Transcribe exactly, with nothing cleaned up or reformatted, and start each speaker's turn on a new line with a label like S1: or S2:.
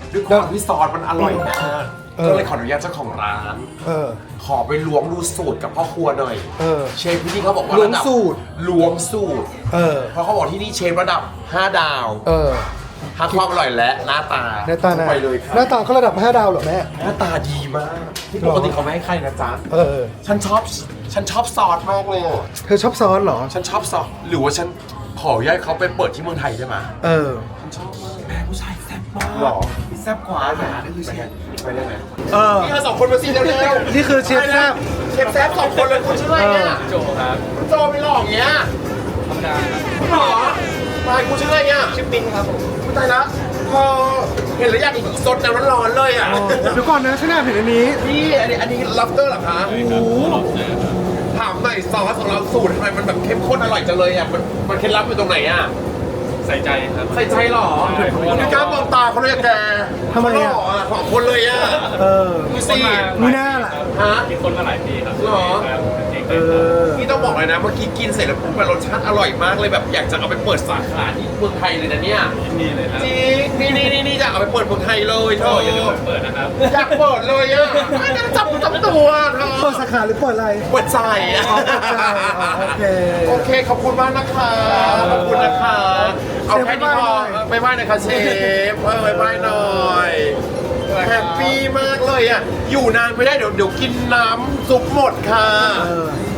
S1: ด้วยความที่ซอสมันอร่อยมากก็เลยขออนุญาตเจ้าของร้าน
S2: เออ
S1: ขอไปล้วงดูสูตรกับพ่อครัวหน่อย
S2: เออ
S1: เชฟที่นี่เขาบอกว่า
S2: ล้วง
S1: ระดับ
S2: สูตร
S1: ล้วงสูตร
S2: เออ
S1: เพราะเขาบอกที่นี่เชฟระดับห้าดาว
S2: เออ
S1: ทั้งความอร่อยและหน้าตา
S2: หน้าตาหน้า
S1: ไปเลยครับ
S2: หน้าตาเขาระดับห้าดาวเหรอแม่
S1: หน้าตาดีมากที่ปกติเขาไม่ให้ใครนะจ๊ะ
S2: เออ
S1: ฉันชอบฉันชอบซอสมากเลยอะ
S2: เธอชอบซอสเหรอ
S1: ฉันชอบซอสหรือว่าฉันขออนุญาตเขาไปเปิดที่เมืองไทยได้ไหม
S2: เออ
S1: ฉันชอบมากแม่ผู้ชายแซ่บมาก
S2: หรอ
S1: แซ่บกว่าแม่นี่คือเชฟไปได้ไหม
S2: เออ
S1: นี่เราสองคนมาสิเร็วๆ
S2: นี่คือเชฟแซ่บ
S1: เชฟแซ่บสองคนเลยคุณชื่ออะไรเนี่ย
S3: โจครับ
S1: คุณโจไม่หลอกอย่างเงี้ย
S3: ธรรมดาครับ
S1: หรอตายคุณชื่ออะไรเนี่ย
S3: ชื่อปิ้นครับผม
S1: คุณตายละพอเห็นแล้วอยากสดน้ำร้อนๆเลยอ่ะ
S2: เดี๋ยวก่อนนะฉันแอบเห็นอันนี้
S1: พี่อันนี้อันนี้ลับเตอร์เหรอคะ
S2: โอ้โห
S1: ถามหน่อยซอสของเราสูตรทำไมมันแบบเข้มข้นอร่อยจังเลยอ่ะมันมันเคล็ดลับอยู่ตรงไหนอ่ะ
S3: ใส่ใจครับ
S1: ใส่ใจเหรอ
S3: ใช่เพราะว่า
S1: ไม่กล้ามองตาเขาเลยอะแก
S2: ทำไม
S1: ห
S2: อ่ะ
S1: ล่ออ่ะของคนเลยอ่ะ
S2: เออ
S1: ดูสิ
S2: มีหน้าล่ะ
S1: ฮะ
S3: กินคนมาหลายปีครับ
S1: หรอ
S3: ครับเก่ง
S2: เอ
S3: เลยครับ
S2: อ
S1: นี่ต้องบอกเลยนะเมื่อกี้กินเสร็จแล้วปุ๊บมันรสชาติอร่อยมากเลยแบบอยากจะเอาไปเปิดสาขาที่เมืองไทยเลยนะเนี่ย
S3: ยินดีเลยครับ
S1: จริงนี่นี่นี่นี่จะเอาไปเปิดเมืองไทยเลยเธ
S3: ก็
S1: อ
S3: อย่าลืมเปิดนะครับ
S1: อยากเปิดเลยอ่ะไม่ได้จับจับตัวเธอ
S2: เปิดสาขาหรือเปิดอะไร
S1: เปิดใจอ่ะ
S2: อ๋อเปิดใจอ๋อโอเค
S1: โอเคขอบคุณมากนะคะขอบคุณนะคะเอาแค่นี้พอไปไหว้หน่อยค่ะเชฟเออไปไหว้หน่อยแฮปปี้มากเลยอ่ะอยู่นานไม่ได้เดี๋ยวเดี๋ยวกินน้ำซุปหมดค่ะ
S2: เออ